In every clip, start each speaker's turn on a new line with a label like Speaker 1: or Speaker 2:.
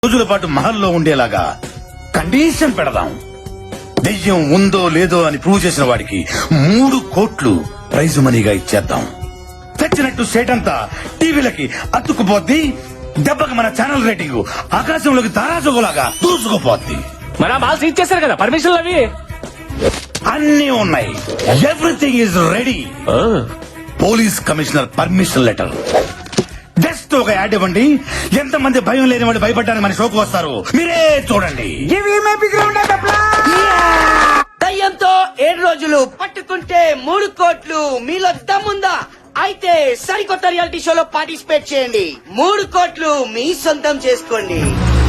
Speaker 1: రోజుల పాటు మహల్లో ఉండేలాగా కండిషన్ పెడదాం. దెయ్యం ఉందో లేదో అని ప్రూవ్ చేసిన వాడికి 3 కోట్లు ప్రైజ్ మనీగా ఇచ్చేద్దాం. తెచ్చినట్టు సేట్ అంతా టీవీలకి అతుక్కుపోద్ది. దెబ్బకి మన ఛానల్ రేటింగ్ ఆకాశంలోకి తారాజుగులాగా దూసుకుపోద్ది.
Speaker 2: మన మాల్స్ ఇచ్చేసారు కదా పర్మిషన్లు అవి
Speaker 1: అన్నీ ఉన్నాయి. Everything is ready. Police commissioner permission letter. Just ఒక యాడ్ ఇవ్వండి. ఎంతమంది భయం లేని వాళ్ళు భయపడ్డానికి మన షోకు వస్తారు. మీరే చూడండి.
Speaker 3: దయ్యంతో 7 రోజులు పట్టుకుంటే 3 కోట్లు. మీలో దమ్ముందా? అయితే సరికొత్త రియాలిటీ షోలో పార్టిసిపేట్ చేయండి. 3 కోట్లు మీ సొంతం చేసుకోండి.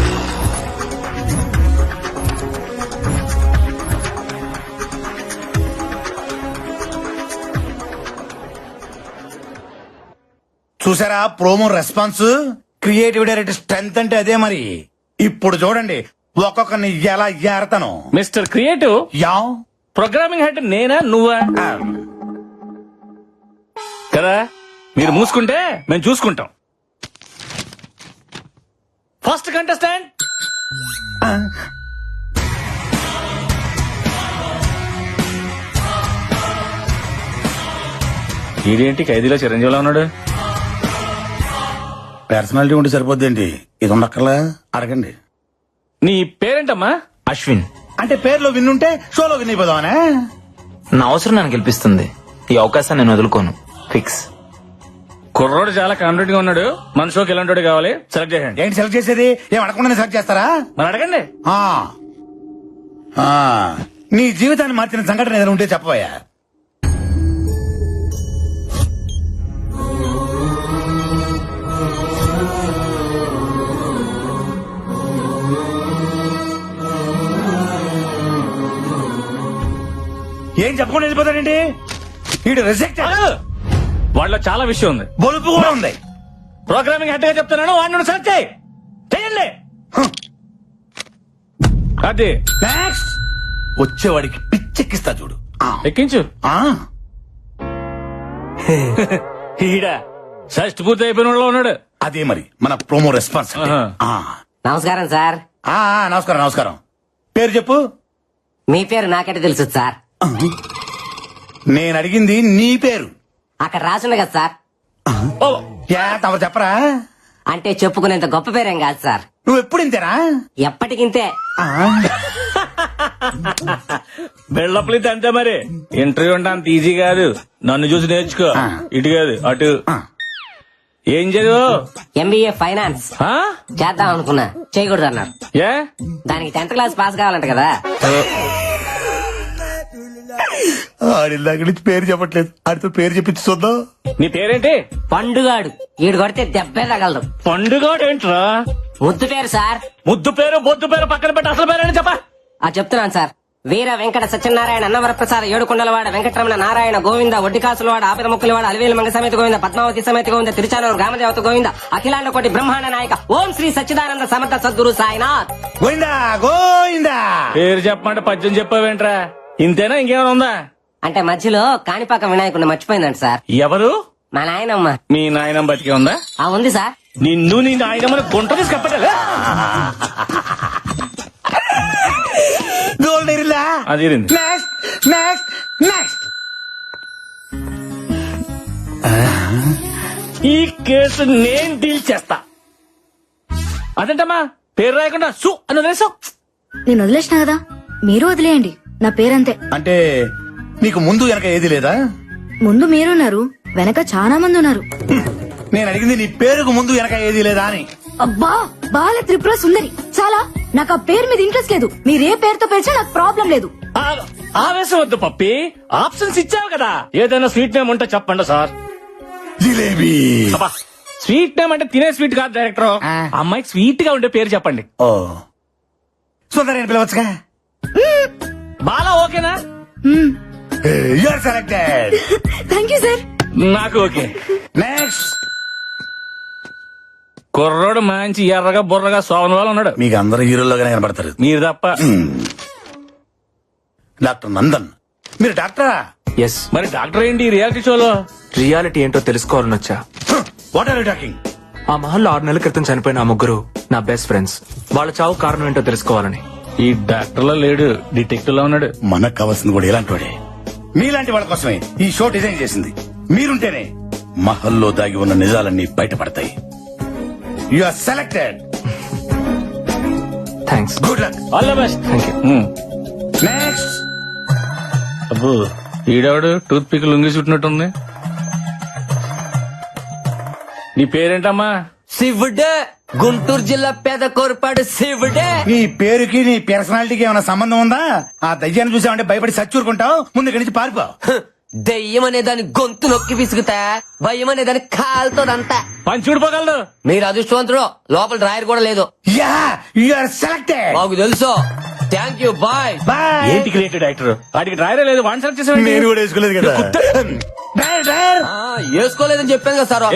Speaker 1: చూసారా promo response? Creative director strength అంటే అదే మరి. ఇప్పుడు చూడండి ఒక్కొక్కరిని ఎలా ఏరతాను.
Speaker 2: Mister creative
Speaker 1: yeah
Speaker 2: programming head నేనా నువ్వా కదా? మీరు మూసుకుంటే మేము చూసుకుంటాం. ఫస్ట్ కంటెస్టెంట్ ఇదేంటి ఖైదీలో చిరంజీవిలో ఉన్నాడు?
Speaker 1: పర్సనాలిటీ ఉంటే సరిపోద్దేంటి? ఇది ఉండక్కర్లా అడగండి.
Speaker 2: నీ పేరేంటమ్మా?
Speaker 4: అశ్విన్.
Speaker 1: అంటే పేర్లో విన్నుంటే షోలో విన్ అయిపోదామనే.
Speaker 4: నా అవసరం నన్ను గెలిపిస్తుంది. ఈ అవకాశాన్ని నేను వదులుకోను. ఫిక్స్.
Speaker 2: కుర్రోడు చాలా కాన్ఫిడెంట్ గా ఉన్నాడు. మన షోకి ఎలాంటి కావాలి సెలెక్ట్ చేయండి.
Speaker 1: ఏంటి సెలెక్ట్ చేసేది? ఏం అడగకుండా సెలెక్ట్ చేస్తారా?
Speaker 2: మరి అడగండి.
Speaker 1: ఆ. ఆ. నీ జీవితాన్ని మార్చిన సంఘటన ఏదైనా ఉంటే చెప్పబోయా. ఏం చెప్పకుండా వెళ్ళిపోతాడండి? వీడు రిజెక్ట్.
Speaker 2: వాళ్ళలో చాలా విషయం ఉంది.
Speaker 1: బొలుపు కూడా ఉంది.
Speaker 2: ప్రోగ్రామింగ్ హెడ్ గా చెప్తున్నాను. వాడిని సెలెక్ట్ చేయండి. అది
Speaker 1: నెక్స్ట్ వచ్చేవాడికి పిచ్చెక్కిస్తా చూడు.
Speaker 2: ఎక్కించు.
Speaker 1: ఆ.
Speaker 2: ఈడ షష్ట్ పూర్తి అయిపోయిన వాళ్ళలో ఉన్నాడు.
Speaker 1: అదే మరి మన ప్రోమో రెస్పాన్స్ అంటే.
Speaker 2: ఆహా.
Speaker 1: ఆ.
Speaker 5: నమస్కారం సార్.
Speaker 1: ఆ, నమస్కారం నమస్కారం. పేరు చెప్పు.
Speaker 5: మీ పేరు నాకంటే తెలుసు సార్.
Speaker 1: నేను అడిగింది నీ పేరు.
Speaker 5: అక్కడ రాసుంది కదా సార్.
Speaker 2: ఓ,
Speaker 1: యా తమ చెప్పరా.
Speaker 5: అంటే చెప్పుకునేంత గొప్ప పేరేం కాదు సార్.
Speaker 1: నువ్వు ఎప్పుడు ఇంతేనా?
Speaker 5: ఎప్పటికింతే.
Speaker 1: ఆ.
Speaker 2: బిల్డప్లు ఇది అంతే మరి. ఇంటర్వ్యూ అంటే అంత ఈజీ కాదు. నన్ను చూసి నేర్చుకో.
Speaker 1: ఆ.
Speaker 2: ఇటు కాదు అటు.
Speaker 1: ఆ.
Speaker 2: ఏం చదువు?
Speaker 5: ఎంబీఏ ఫైనాన్స్
Speaker 2: ఆ?
Speaker 5: చేద్దాం అనుకున్నా, చేయకూడదు అన్నారు.
Speaker 2: ఏ?
Speaker 5: దానికి 10th క్లాస్ పాస్ కావాలంట కదా.
Speaker 1: ఆడిల్లాక నుంచి పేరు చెప్పట్లేదు. ఆడితో పేరు చెప్పించి చూద్దాం.
Speaker 2: నీ పేరేంటి?
Speaker 5: పండుగాడు. ఈడు కొడితే దెబ్బే తగలదు.
Speaker 2: పండుగోడు ఏంట్రా?
Speaker 5: ముద్దు పేరు సార్.
Speaker 2: ముద్దు పేరు బొద్దు పేరు పక్కన పెట్టి అసలు పేరేంటి చెప్పా.
Speaker 5: చెప్తున్నాను సార్. వీర వెంకట సత్యనారాయణ అన్నవరప్రసాద ఏడుకొండలవాడ వెంకటరమణ నారాయణ గోవింద ఒడ్డికాసులవాడ ఆపిన ముక్కులవాడ అలివేలు మంగ సమేత గోవింద పద్మావతి సమేత గోవింద తిరుచానూరు గ్రామదేవత గోవింద అఖిలాండ కోటి బ్రహ్మాండ నాయక ఓం శ్రీ సచ్చిదానంద సమర్థ సద్గురు సాయినాథ్.
Speaker 1: గోయిందా గోయిందా.
Speaker 2: పేరు చెప్పమంటే పద్యం చెప్పావేంట్రా? ఇంతేనా ఇంకేమైనా ఉందా?
Speaker 5: అంటే మధ్యలో కాణిపాక వినాయకుడిని మర్చిపోయిందంట సార్.
Speaker 2: ఎవరు?
Speaker 5: మా నాయనమ్మ.
Speaker 2: మీ నాయనమ్మ బతికే ఉందా?
Speaker 5: ఉంది సార్.
Speaker 2: నిన్ను నీ నాయనమ్మని గుంట తీసి కప్పటలే.
Speaker 1: గోల్డ్ ఎరిలా.
Speaker 2: అది ఇరింది.
Speaker 1: Next next next.
Speaker 2: ఈ కేసు నేను డీల్ చేస్తా. అదేంటమ్మా పేరు రాయకుండా సు అని వదిలేసావు?
Speaker 6: నేను వదిలేసిన కదా, మీరు వదిలేయండి. నా పేరంతే.
Speaker 1: అంటే నీకు ముందు వెనక ఏది లేదా?
Speaker 6: ముందు మీరున్నారు, వెనక చాలా మంది ఉన్నారు.
Speaker 1: నేను అడిగింది నీ పేరుకు ముందు వెనక ఏది లేదా అని.
Speaker 6: అబ్బా, బాల త్రిపుర సుందరి. చాలా. నాకు ఆ పేరు మీద ఇంట్రెస్ట్ లేదు. మీరు ఏ పేరుతో పిలిచినా నాకు ప్రాబ్లం లేదు.
Speaker 2: ఆవేశం వద్దు పప్పి. ఆప్షన్స్ ఇచ్చావు కదా. ఏదైనా స్వీట్ నేమ్ ఉంటే చెప్పండి సార్.
Speaker 1: జిలేబీ.
Speaker 2: అబ్బా, స్వీట్ నేమ్ అంటే తినే స్వీట్ కాదు డైరెక్టర్. అమ్మాయికి స్వీట్ గా ఉండే పేరు చెప్పండి.
Speaker 1: ఓ సుందరి అని పిలవచ్చుగా.
Speaker 2: బాలా ఓకేనా?
Speaker 1: You are selected.
Speaker 6: Thank you sir.
Speaker 2: నాకు ఓకే.
Speaker 1: నెక్స్ట్.
Speaker 2: కుర్రోడు మంచి ఎర్రగా బుర్రగా సోమన్ వాళ్ళు ఉన్నాడు.
Speaker 1: మీకు అందరు హీరోలుగానే కనబడతారు.
Speaker 2: మీరు తప్ప.
Speaker 1: డాక్టర్ నందన్. మీరు డాక్టరా?
Speaker 4: ఎస్.
Speaker 2: మరి డాక్టర్ ఏంటి రియాలిటీ షోలో?
Speaker 4: రియాలిటీ ఏంటో తెలుసుకోవాలని వచ్చా.
Speaker 1: What are you talking?
Speaker 7: ఆ మహల్లో 6 నెలల క్రితం చనిపోయిన ఆ ముగ్గురు నా బెస్ట్ ఫ్రెండ్స్. వాళ్ళ చావు కారణం ఏంటో తెలుసుకోవాలని.
Speaker 2: ఈ డాక్టర్ లో లేడు, డిటెక్టివ్ లో ఉన్నాడు.
Speaker 1: మనకు కావాల్సింది కూడా ఇలాంటి వాడే. మీలాంటి వాళ్ళ కోసమే ఈ షో డిజైన్ చేసింది. మీరుంటేనే మహల్లో దాగి ఉన్న నిజాలన్నీ బయటపడతాయి. You are selected.
Speaker 7: Thanks.
Speaker 1: Good luck.
Speaker 2: All the best.
Speaker 7: Thank you.
Speaker 1: Next.
Speaker 2: అబ్బో ఈడవాడు టూత్ పిక్ లుంగి చుట్టినట్టుంది. నీ పేరేంటమ్మా?
Speaker 5: శివుడే, గుంటూరు జిల్లా పేద కోరపాడు శివుడే.
Speaker 1: నీ పేరుకి నీ పర్సనాలిటీకి ఏమైనా సంబంధం ఉందా? ఆ దయ్యాన్ని చూసామంటే భయపడి సచ్చూరుకుంటావు. ముందు ఇక్కడి నుంచి పారిపో.
Speaker 5: దెయ్యం అనే దాని గొంతు నొక్కి పిసుకుతా, భయం అనే దాని కాలుతోదంతా.
Speaker 2: పని చూడిపోగలడు.
Speaker 5: మీరు అదృష్టవంతుడు, లోపల డ్రాయర్ కూడా లేదు.
Speaker 1: Yeah you are selected.
Speaker 5: మాకు తెలుసు. Thank you, bye.
Speaker 1: బాయ్.
Speaker 2: ఏంటి క్రియేటివ్ డైరెక్టర్? వాడికి డ్రైవరే లేదు, వన్ సెలెక్ట్ చేసాడు.
Speaker 1: నేను కూడా వేసుకోలేదు కదా. Driver, driver.
Speaker 5: వేసుకోలేదని చెప్పాను కదా సార్.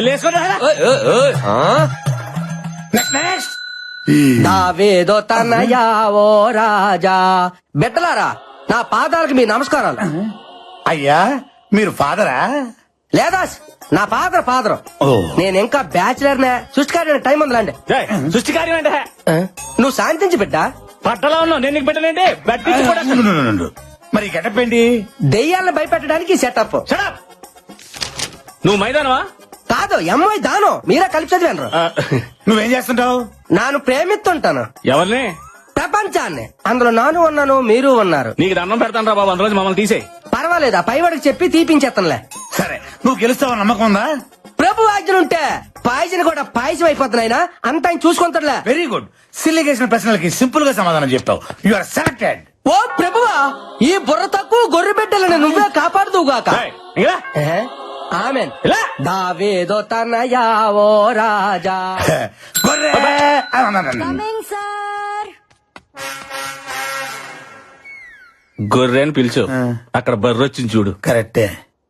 Speaker 1: Next, next.
Speaker 5: దావేదో తనయా ఓ రాజా. బిడ్డలారా, నా పాదాలకు మీ నమస్కారాలు.
Speaker 1: అయ్యా మీరు ఫాదరా?
Speaker 5: లేదా నా ఫాదర్.
Speaker 1: ఓ.
Speaker 5: నేను ఇంకా బ్యాచిలర్ నే. సృష్టికార్య టైం ఉందిలాండి.
Speaker 2: సృష్టి కార్యం అంటే
Speaker 5: నువ్వు శాంతించి బిడ్డ.
Speaker 2: పట్టలో ఉన్నావు, నేను నీకు పెట్టలేంటి? బట్టి కూడా
Speaker 1: నుండు. మరి గెటప్ ఏంటి?
Speaker 5: దెయ్యాలను భయపెట్టడానికి సెటప్.
Speaker 2: Shut up. నువ్వు మైదానవా?
Speaker 5: కాదు, ఎంఐ దాను. మీరే కలిపి చదివాను.
Speaker 1: నువ్వేం చేస్తుంటావు?
Speaker 5: నాను ప్రేమిస్తుంటాను
Speaker 2: ఎవరిని?
Speaker 5: ప్రపంచాన్ని. అందులో నాను ఉన్నాను, మీరు ఉన్నారు.
Speaker 2: నీకు దండం పెడతాను రా బాబు, అందులో మమ్మల్ని తీసేయి.
Speaker 5: పర్వాలేదు, ఆ పైవాడికి చెప్పి తీపించేస్తానులే.
Speaker 1: సరే, నువ్వు గెలుస్తావని నమ్మకం ఉందా?
Speaker 5: ప్రభు ఆజ్ఞలుంటే పాయసం కూడా పాయసం అయిపోతున్నాయినా అంత ఆయన చూసుకుంటాడులే.
Speaker 1: Very good. సిల్లిగేసిన ప్రశ్నలకి సింపుల్ గా సమాధానం చెప్తావు. You are selected.
Speaker 5: ఓ ప్రభువా, ఈ బుర్ర తక్కువ గొర్రె బిడ్డలను నువ్వే కాపాడుదువుగాక.
Speaker 2: ఏయ్, ఇంకా రా.
Speaker 5: ఆమెన్.
Speaker 2: ఇలా.
Speaker 5: దావేదో తనయా ఓ రాజా.
Speaker 1: గొర్రె.
Speaker 6: Coming sir.
Speaker 2: గొర్రె అని పిలిచు. అక్కడ బర్రె వచ్చింది చూడు.
Speaker 1: కరెక్టే.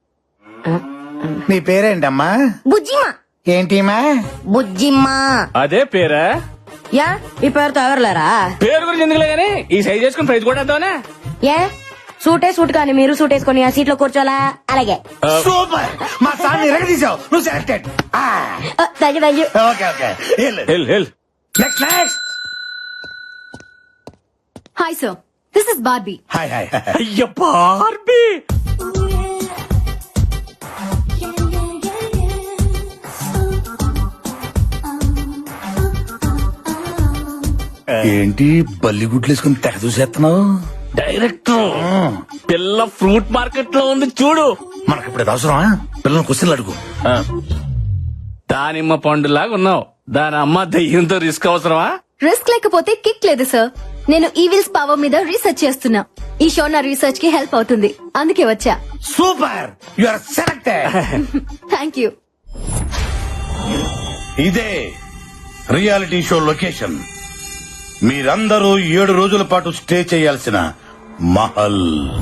Speaker 1: నీ పేరేంటమ్మా?
Speaker 6: బుజ్జిమా.
Speaker 1: ఏంటిమా?
Speaker 6: బుజ్జిమా.
Speaker 2: అదే పేరా?
Speaker 6: యా, ఈ పేరుతో ఎవరులేరా?
Speaker 2: పేరు గురించి ఎందుకులే గానీ ఈ సైజ్ చేసుకుని ప్రైజ్ కూడా వేద్దామనే.
Speaker 6: ఏ సూట్ కానీ మీరు సూట్ వేసుకొని ఆ సీట్ లో కూర్చోలా? అలాగే.
Speaker 1: సూపర్. మా సార్ ఎరగదీసావు. నువ్వు selected.
Speaker 6: Thank you.
Speaker 1: Okay okay.
Speaker 2: Hell
Speaker 1: next, next.
Speaker 6: Hi sir, this is Barbie.
Speaker 1: Hi hi.
Speaker 2: అయ్య బార్బీ.
Speaker 1: ఏంటి బల్లి గుడ్లు వేసుకుని తెగ చూసేస్తున్నావు?
Speaker 2: డైరెక్టర్, పిల్ల ఫ్రూట్ మార్కెట్ లో ఉంది చూడు.
Speaker 1: మనకి ఇప్పుడు అవసరమా? పిల్లలు క్వశ్చన్లు అడుగు.
Speaker 2: దానిమ్మ పండులాగా ఉన్నావు. దాని అమ్మ దయ్యంతో రిస్క్ అవసరమా?
Speaker 6: రిస్క్ లేకపోతే కిక్ లేదు సార్. నేను ఈవిల్స్ పవర్ మీద రీసెర్చ్ చేస్తున్నా. ఈ షో నా రీసెర్చ్ కి హెల్ప్ అవుతుంది, అందుకే వచ్చా.
Speaker 1: Super. You are selected.
Speaker 6: Thank you.
Speaker 1: ఇదే రియాలిటీ షో లొకేషన్. మీరందరూ 7 రోజుల పాటు స్టే చేయాల్సిన మహల్.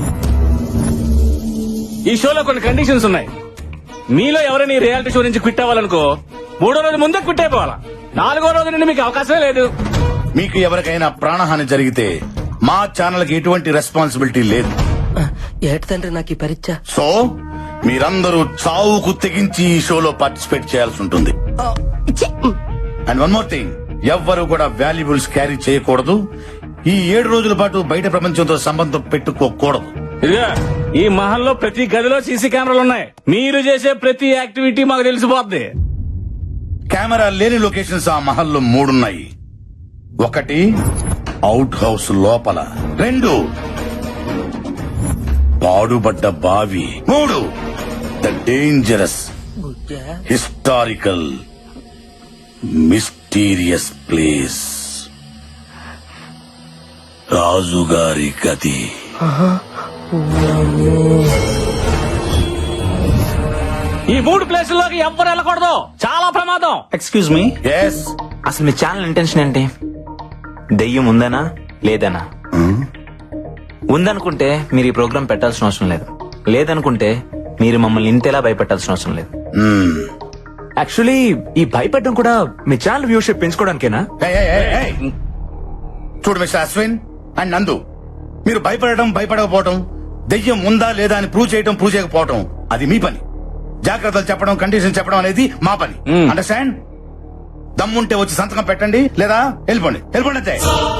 Speaker 2: ఈ షోలో కొన్ని కండిషన్స్ ఉన్నాయి. మీలో ఎవరైనా ఈ రియాలిటీ షో నుంచి క్విట్ అవ్వాలనుకో 3వ రోజు ముందే క్విట్ అయిపోవాలా. 4వ రోజు నుండి మీకు అవకాశమే లేదు.
Speaker 1: మీకు ఎవరికైనా ప్రాణహాని జరిగితే మా ఛానల్ కి ఎటువంటి రెస్పాన్సిబిలిటీ లేదు.
Speaker 5: ఏటి తండ్రి నాకు ఈ పరీక్ష.
Speaker 1: సో మీరందరూ చావుకు తెగించి ఈ షోలో పార్టిసిపేట్ చేయాల్సి ఉంటుంది. అండ్ వన్ మోర్ థింగ్, ఎవ్వరు కూడా వాల్యుబుల్స్ క్యారీ చేయకూడదు. ఈ 7 రోజుల పాటు బయట ప్రపంచంతో సంబంధం పెట్టుకోకూడదు.
Speaker 2: ఇదిగా ఈ మహల్లో ప్రతి గదిలో సీసీ కెమెరాలు ఉన్నాయి. మీరు చేసే ప్రతి యాక్టివిటీ మాకు తెలిసిపోద్ది.
Speaker 1: కెమెరా లేని లొకేషన్స్ ఆ మహల్లో 3 ఉన్నాయి. 1 అవుట్ హౌస్ లోపల, 2 పాడుబడ్డ బావి, 3 the dangerous historical mysterious place, రాజుగారి గది.
Speaker 2: ఈ 3 ప్లేసుల్లోకి ఎవ్వరు వెళ్ళకూడదు, చాలా ప్రమాదం.
Speaker 4: Excuse me,
Speaker 1: yes.
Speaker 4: అసలు మీ ఛానల్ ఇంటెన్షన్ ఏంటి? దెయ్యం ఉందనా లేదనా? ఉందనుకుంటే మీరు ఈ ప్రోగ్రామ్ పెట్టాల్సిన అవసరం లేదు. లేదనుకుంటే మీరు మమ్మల్ని ఇంతేలా భయపెట్టాల్సిన అవసరం లేదు.
Speaker 7: యాక్చువల్లీ ఈ భయపడడం కూడా మీ ఛానల్ వ్యూషిప్ పెంచుకోవడానికేనా?
Speaker 1: చూడు మిస్టర్ అశ్విన్ అండ్ నందు, మీరు భయపడకపోవటం, దెయ్యం ఉందా లేదా అని ప్రూవ్ చేయకపోవటం అది మీ పని. జాగ్రత్తలు చెప్పడం, కండిషన్ చెప్పడం అనేది మా పని. అండర్స్టాండ్? దమ్ముంటే వచ్చి సంతకం పెట్టండి, లేదా వెళ్ళిపోండి వెళ్ళిపోండి అంతే.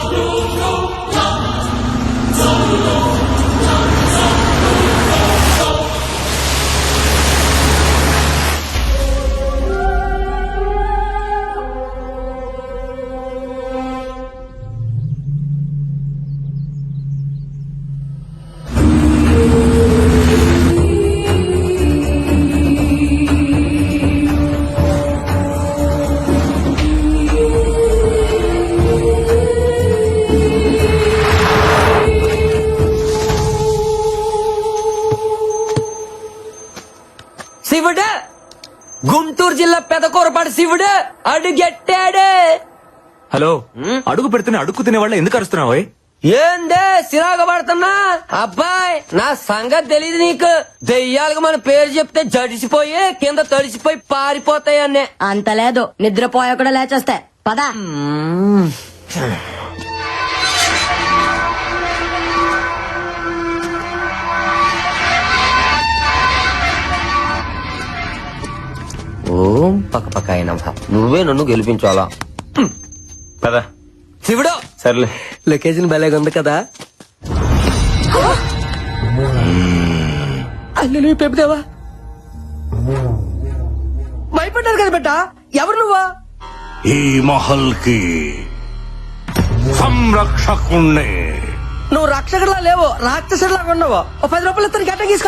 Speaker 8: శివుడు, గుంటూరు జిల్లా పెదకూరపాడు శివుడు అడుగెట్టాడు.
Speaker 7: హలో, అడుగు పెడుతున్న అడుగు తినే వాళ్ళ ఎందుకు అరుస్తున్నావు?
Speaker 8: ఏందే సిరాగ పడుతున్నా? అబ్బాయి, నా సంగతి తెలీదు నీకు. దెయ్యాలకు మన పేరు చెప్తే జడిసిపోయి కింద తడిసిపోయి పారిపోతాయన్నే.
Speaker 9: అంత లేదు, నిద్రపోయా కూడా లేచేస్తే పదా.
Speaker 8: ఓం పక్క పక్క అయినా నువ్వే నన్ను గెలిపించాలా?
Speaker 4: పదా
Speaker 8: శివుడు,
Speaker 4: సర్లే.
Speaker 8: లొకేషన్ భలేగా ఉంది కదా. అల్లు నువ్వు పెప్పుదేవా భయపడ్డారు కదా బిడ్డ. ఎవరు నువ్వా?
Speaker 10: ఈ మహల్ కి సంరక్షకుణ్ణి.
Speaker 8: నువ్వు రక్షకుడిలా లేవు, రాక్షసుడిలాగా ఉన్నావు. ఓ 10 రూపాయలు ఇస్తాను, గట్ట తీసుకో.